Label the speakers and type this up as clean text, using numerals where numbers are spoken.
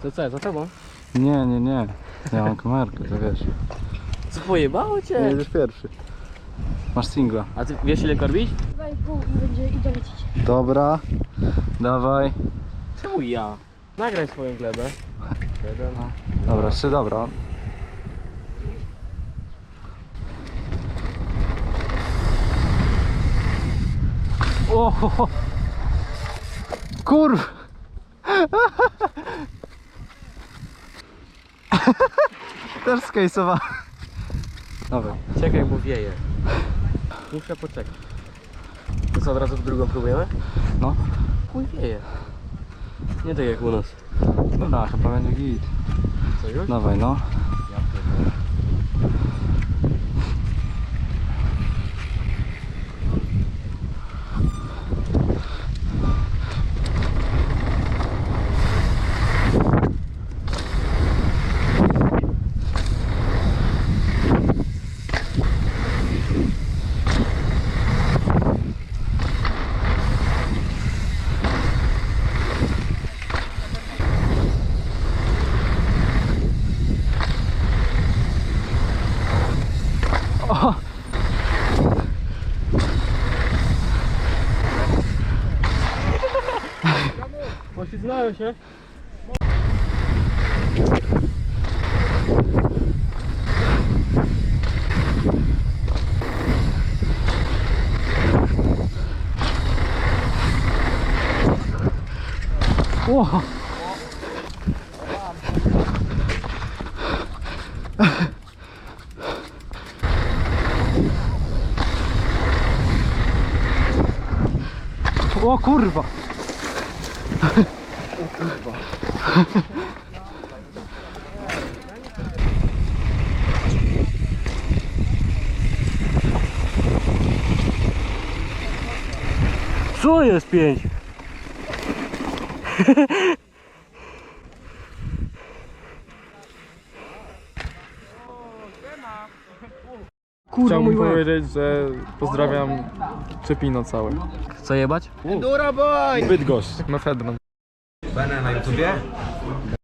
Speaker 1: To co, za tobą?
Speaker 2: Nie, nie, nie. Ja mam kamerkę, to wiesz.
Speaker 1: Co, pojebało cię?
Speaker 2: Jedziesz pierwszy. Masz singla.
Speaker 1: A ty wiesz ile korbić?
Speaker 3: 2,5 i będzie i dolecieć.
Speaker 2: Dobra. Dawaj.
Speaker 1: Czemu ja? Nagraj swoją glebę.
Speaker 2: Dobra, jeszcze dobra. O! Kurw! Też skejsowa. Dawaj.
Speaker 1: Czekaj, bo wieje. Muszę poczekać. To co, od razu w drugą próbujemy?
Speaker 2: No.
Speaker 1: Chuj wieje. Nie tak jak u nas.
Speaker 2: Dobra, chyba będzie git.
Speaker 1: Co już?
Speaker 2: Dawaj, no.
Speaker 1: Ja pierdolę.
Speaker 2: O!
Speaker 1: Poślizgnąłem się.
Speaker 2: O! O kurwa!
Speaker 1: Co jest 5? Kurwa,
Speaker 4: Chciałbym
Speaker 1: mój łeb.
Speaker 4: powiedzieć, że pozdrawiam Czepino całe.
Speaker 1: Co jebać?
Speaker 4: Bydgoszcz, mefedron.
Speaker 5: Będę na YouTubie?